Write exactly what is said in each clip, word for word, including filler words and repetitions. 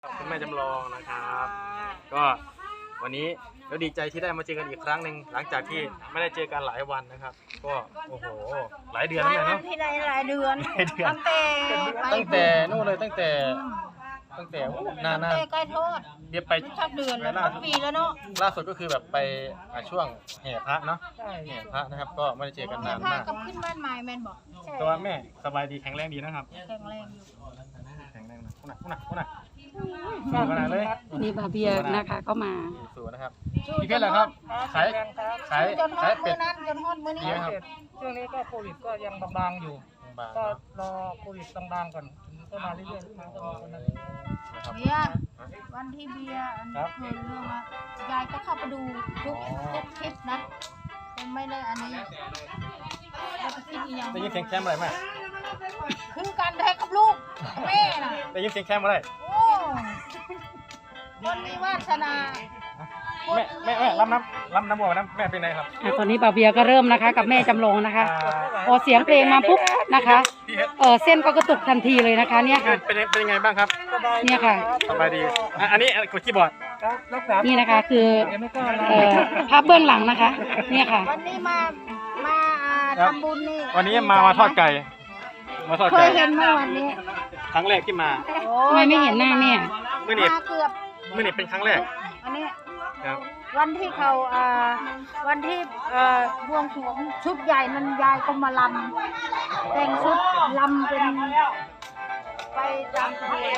คุณแม่จำลองนะครับก็วันนี้เราดีใจที่ได้มาเจอกันอีกครั้งหนึ่งหลังจากที่ไม่ได้เจอกันหลายวันนะครับก็โอ้โหหลายเดือนแล้วเนาะที่ใดหลายเดือนตั้งแต่ตั้งแต่นู่นเลยตั้งแต่ตั้งแต่นานตั้งแต่ใกล้โทษๆเบียบไปชักเดือนแล้วปีแล้วเนาะล่าสุดก็คือแบบไปช่วงแห่พระเนาะแห่พระนะครับก็ไม่ได้เจอกันนานมากกับขึ้นบ้านใหม่แมนบอกตัวแม่สบายดีแข็งแรงดีนะครับแข็งแรงอยู่แข็งแรงนะคุณน่ะคุณน่ะคุณน่ะสู้ขนาดเลยนี่บาเบียนะคะก็มาสู้นะครับพี่เพชรเหรอครับขายขายจนฮอขายดเป็มื้ดอนั้นจนฮอดมื้อนี้ดีไหมครับช่วงนี้ก็โควิดก็ยังบางๆอยู่บางก็ๆรอโควิดบางๆก่อนก็มาเรื่อยๆมาก็มาเรื่อยนะครับเบียร์วันที่เบียร์อันนี้เคยเรื่องมายายก็เข้าไปดูทุกทุกคลิปนะยังไม่ได้อันนี้เราไปคิดอีกอย่างได้ยินเสียงแคมอะไรไหมคือการแท้กับลูกแม่น่ะได้ยินเสียงแคมอะไรโอ้คนมีวาสนาแม่แม่แม่รับน้ำรับน้ำวัวน้ำแม่เป็นไงครับอ่ะตอนนี้บาเบียก็เริ่มนะคะ กับแม่จำลองนะคะพอเสียงเพลงมาปุ๊บนะคะเออเส้นก็กระตุกทันทีเลยนะคะ เนี่ยค่ะเป็นเป็นยังไงบ้างครับเนี่ยค่ะสบายดีอ่ะอันนี้กดคีย์บอร์ดๆรักษานี่นะคะคือเดี๋ยวไม่กล้านะเอ่อภาพเบื้องหลังนะคะ เนี่ยค่ะวันนี้มามาทำบุญนี่วันนี้มามาทอดไก่มาทอดเคไก่ยเห็นไหมวันนี้ครั้งแรกที่มาทำไมไม่เห็นหน้าแม่เมื่อนี้มาเกือบเมื่อนี้เป็นครั้งแรกอันนี้ครับวันที่เขาอ่าวันที่เอ่อบวงสรวงชุดใหญ่นั้นยายก็มาลำแต่งชุดลำเป็นไปตามเพลง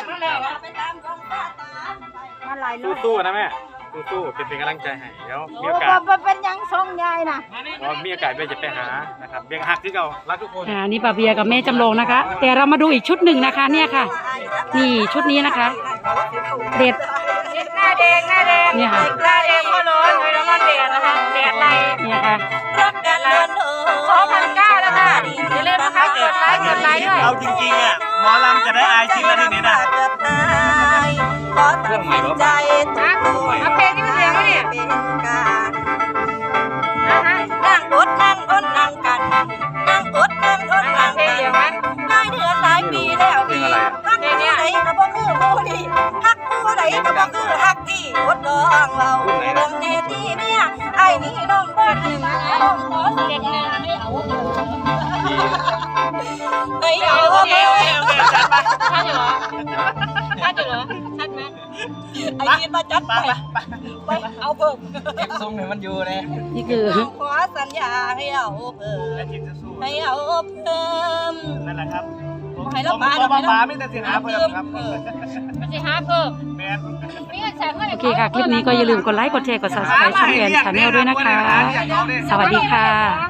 มาหลายรอบสู้ๆนะแม่สู้ๆเป็นเป็นกำลังใจให้เดี๋ยวมีโอ้โอกาสบ่เป็นหยังทรงยายน่ะพอมีโอกาสเบียร์จะไปหานะครับเบียร์หักที่เรารักทุกคนอ่านี่บาเบียกับแม่จำลองนะคะ แต่เรามาดูอีกชุดหนึ่งนะคะ เนี่ยค่ะ นี่ชุดนี้นะคะ เด็ดหน้าแดงหน้าแดงเนี่ยค่ะหน้าแดงก็ร้อนเลยแล้วก็แดดนะคะแดดไหลเนี่ยค่ะสองพันเก้าแล้วค่ะอย่าลืมนะคะกดไลค์กดไลค์ด้วยเอาจริงๆอ่ะหมอลำจะได้อายชิมแล้วทีนี้นะเครื่องใหม่หรือเปล่านะเอาเพลงนี้มาเสียงไว้เนี่ยนั่งอดนั่งอดนั่งกัน นั่งอดนั่งอดนั่งเพลงกันเดียวไหมหลายเดือนหลายปีแล้วพี่ฮักผู้ใดก็บ่คือผู้ดีฮักผู้ใดก็บ่คือฮักพี่อดน้องเราเบิ่งแน่ตีเมียไอ้นี่น้องบ่ดีน้องขอเสียงหน้าให้เอาเฮ้ยเอาโอเคโอเคโอเคจัดไปชัดอยู่เหรอชัดอยู่เหรอชัดไหมไอ้กินมาจัดไปไปเอาเพิ่มทรงเนี่ยมันอยู่เลยนี่คือขอสัญญาให้เอาเพิ่มและทีมจะสู้ให้เอาเพิ่มนั่นแหละครับผมให้เราผมปาผมให้ปาเราไม่แต่สิหาเพิ่มครับมันจะหาเพิ่มแมนมีเงินแสนเท่าไหร่โอเคค่ะ คลิปนี้ก็อย่าลืมกดไลค์ กดแชร์ กด ซับสไครบ์ ช่องแอนชาแนลด้วยนะคะ สวัสดีค่ะ